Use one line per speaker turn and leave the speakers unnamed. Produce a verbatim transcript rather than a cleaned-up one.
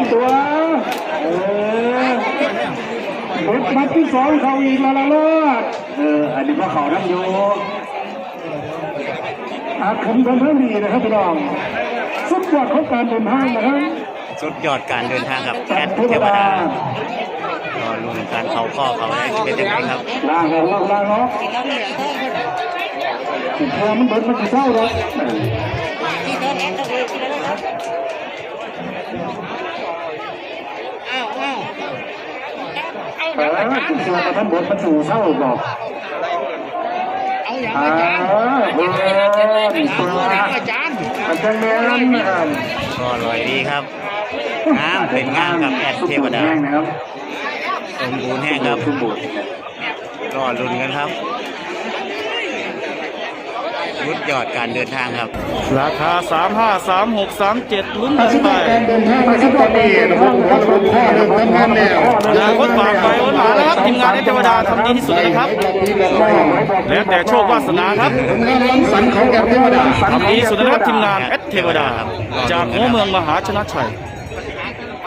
ตัวเออรถมัดที่สองเขาอีกแล้วล่ะลูกเอออันนี้ก็เขานั่งอยู่อาคมกันเท่านี้นะครับพี่น้องสุดยอดของการเดินทางนะครับ
สุดยอดการเดินทางกับแอดเทวดารอลุ้นการเขาข้อเขาได้เป็นยังไงครับ
ล่างออกล่างล่างออกพอมันเบิดมันจะเศร้าหรอก
อ้าวอ้าว
เออคุณเสือมาท่านบดมันสู่เศร้าบอก
เอาอย่างอาจารย์อาจารย์
มันจะแม่นนะครับ
ก็ลอยดีครับงามเป็นงามกับแอดเทวดาสมบูรณ์แห้งครับสมบูรณ์รอลุ้นกันครับรุดยอดการเดินทางครับ
ราคาสามห้าสามหกสามเจ็ดลุ้นกันไป
เดินทางมาสักตอนนี้นะครับครับผมพ่อเริ่มทำงานแล้ว
นาคตฝากไปวันหมาแล้วครับทีมงานเทวดาทำดีที่สุดนะครับแล้วแต่โชควาสนาครับ
งานรังสรรค์ของแอดเทวดา
ทำดีสุดนะครับทีมงานแอดเทวดาจากหัวเมืองมหาชนะชัย